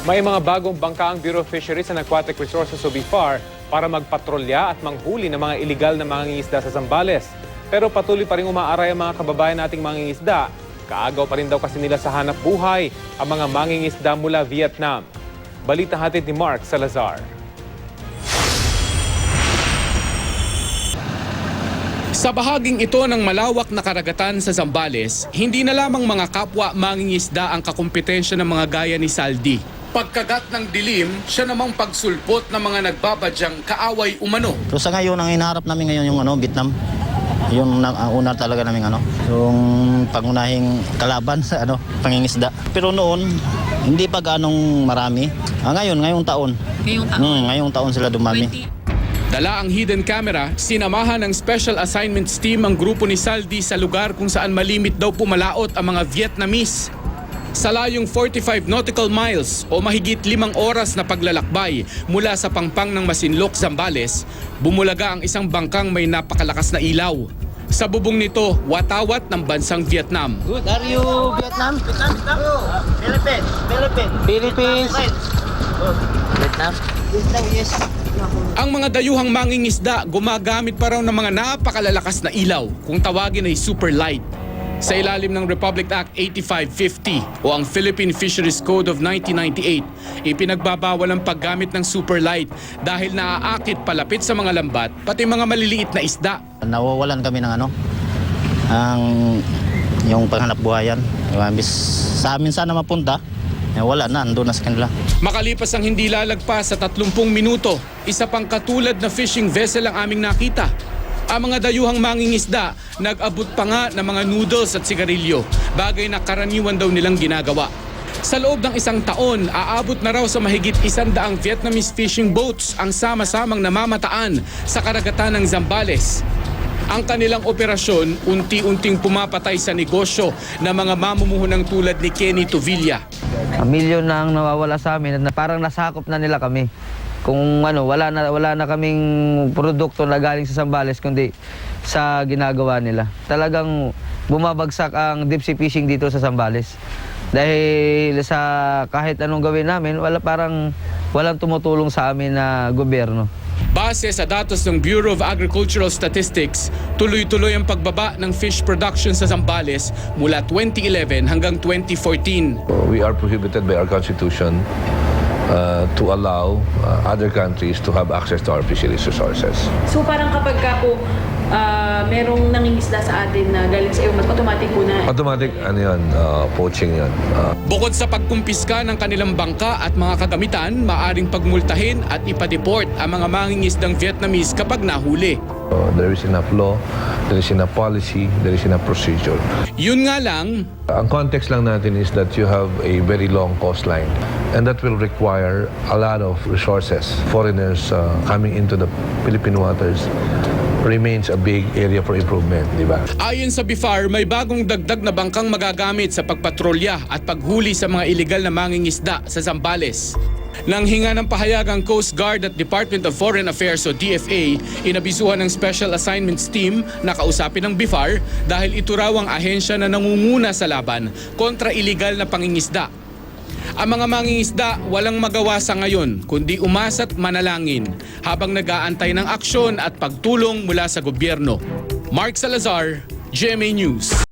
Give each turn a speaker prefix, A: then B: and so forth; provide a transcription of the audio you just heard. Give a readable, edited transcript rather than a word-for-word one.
A: May mga bagong bangka ang Bureau of Fisheries and Aquatic Resources o BIFAR para magpatrolya at manghuli ng mga iligal na mangingisda sa Zambales. Pero patuloy pa rin umaaray ang mga kababayan nating mangingisda. Kaagaw pa rin daw kasi nila sa hanap buhay ang mga mangingisda mula Vietnam. Balita hatid ni Mark Salazar.
B: Sa bahaging ito ng malawak na karagatan sa Zambales, hindi na lamang mga kapwa mangingisda ang kakumpetensya ng mga gaya ni Saldi. Pagkagat ng dilim, siya namang pagsulpot ng mga nagbabadyang kaaway umano.
C: So sa ngayon, ang hinaharap namin ngayon yung Vietnam. Yung una talaga namin yung pangunahing kalaban sa pangingisda. Pero noon, hindi pa ganong marami. Ngayong taon. Ngayong taon sila dumami.
B: Dala ang hidden camera, sinamahan ng Special Assignments Team ang grupo ni Saldi sa lugar kung saan malimit daw pumalaot ang mga Vietnamese. Sa layong 45 nautical miles o mahigit 5 oras na paglalakbay mula sa pangpang ng Masinloc, Zambales, bumulaga ang isang bangkang may napakalakas na ilaw. Sa bubong nito, watawat ng bansang Vietnam.
C: Good. Are you Vietnam? Philippines. Philippines. Vietnam? Vietnam, yes.
B: Ang mga dayuhang mangingisda gumagamit pa raw ng mga napakalalakas na ilaw kung tawagin ay super light. Sa ilalim ng Republic Act 8550 o ang Philippine Fisheries Code of 1998, ipinagbabawal ang paggamit ng super light dahil naaakit palapit sa mga lambat pati mga maliliit na isda.
C: Nawawalan kami ng yung panghanap buhayan. Sa amin sana mapunta, wala na, andun na sa kanila.
B: Makalipas ang hindi lalagpas sa 30 minuto, isa pang katulad na fishing vessel ang aming nakita. Ang mga dayuhang mangingisda nag-abot pa nga ng mga noodles at sigarilyo, bagay na karaniwan daw nilang ginagawa. Sa loob ng isang taon, aabot na raw sa mahigit 100 Vietnamese fishing boats ang sama-samang namamataan sa karagatan ng Zambales. Ang kanilang operasyon, unti-unting pumapatay sa negosyo ng mga mamumuhunang tulad ni Kenny Tuvilla.
D: Milyon na ang nawawala sa amin at parang nasakop na nila kami. Kung wala na kaming produkto na galing sa Zambales kundi sa ginagawa nila. Talagang bumabagsak ang deep sea fishing dito sa Zambales. Dahil sa kahit anong gawin namin, walang tumutulong sa amin na gobyerno.
B: Base sa datos ng Bureau of Agricultural Statistics, tuloy-tuloy ang pagbaba ng fish production sa Zambales mula 2011 hanggang 2014.
E: We are prohibited by our constitution to allow other countries to have access to our fisheries resources.
F: So parang kapag ka po merong nangingisda sa atin na galing sa iyo, automatic po na...
E: Automatic, poaching yun.
B: Bukod sa pagkumpiska ng kanilang bangka at mga kagamitan, maaring pagmultahin at ipadeport ang mga mangingisdang Vietnamese kapag nahuli.
E: There is enough law, there is enough policy, there is enough procedure.
B: Yun nga lang,
E: Ang context lang natin is that you have a very long coastline and that will require a lot of resources. Foreigners coming into the Philippine waters remains a big area for improvement, di ba?
B: ayon sa BIFAR, may bagong dagdag na bangkang magagamit sa pagpatrolya at paghuli sa mga iligal na mangingisda sa Zambales. Nang hinga ng pahayag ang Coast Guard at Department of Foreign Affairs o DFA, inabisuhan ng Special Assignments Team na kausapin ng BIFAR dahil ito raw ang ahensya na nangunguna sa laban kontra iligal na pangingisda. Ang mga mangingisda walang magawa sa ngayon kundi umasa't manalangin habang nag-aantay ng aksyon at pagtulong mula sa gobyerno. Mark Salazar, GMA News.